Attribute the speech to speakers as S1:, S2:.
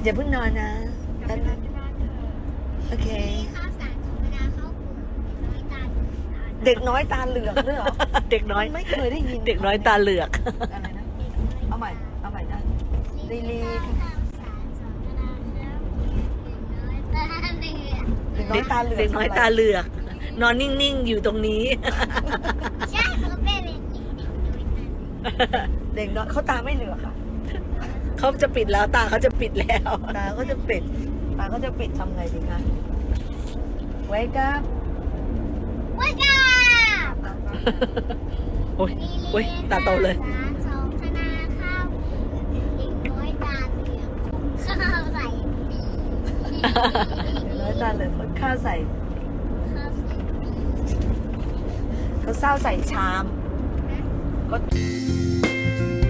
S1: อย่าเพิ่งนอนนะแป๊บนึงโอเค
S2: ข้าวสารธรรมดาข้าวเปลือก
S1: เด็กน้อยตาเหลือกด้วยเหรอ
S3: เด็กน้อย
S1: ไม่เคยได้ยิน
S3: เด็กน้อยตาเหลือก
S1: อะไรนะเอาใหม่นะลีลี
S2: ข้าวสารธรรมดาข้าวเปลือกเด็กน้อยตาเหลือก
S1: เด็กน้อยตาเหลือก
S3: เด็กน้อยตาเหลือก นอนนิ่งๆอยู่ตรงนี้
S2: ใช่เขาเป็นเด็ก
S1: เด็กน้อยเขาตาไม่เหลือกค่ะ
S3: เขาจะปิดแล้วตาเขาจะปิดแล้ว
S1: ตาเขาจะปิดทำไงดีคะไว้กับ
S2: ว้าจ้า
S3: โอ้ยโอ้ยตาโตเลย
S2: ข้าวสารสองธนาข้าวเปลือกเด็กน้อยตาเหลือกข้าวใส่ปี
S1: เด็กน้อยตาเหลือกคนข้าวใส่
S2: ข้าวใส่ปี
S1: เขาเศร้าใส่ชามก็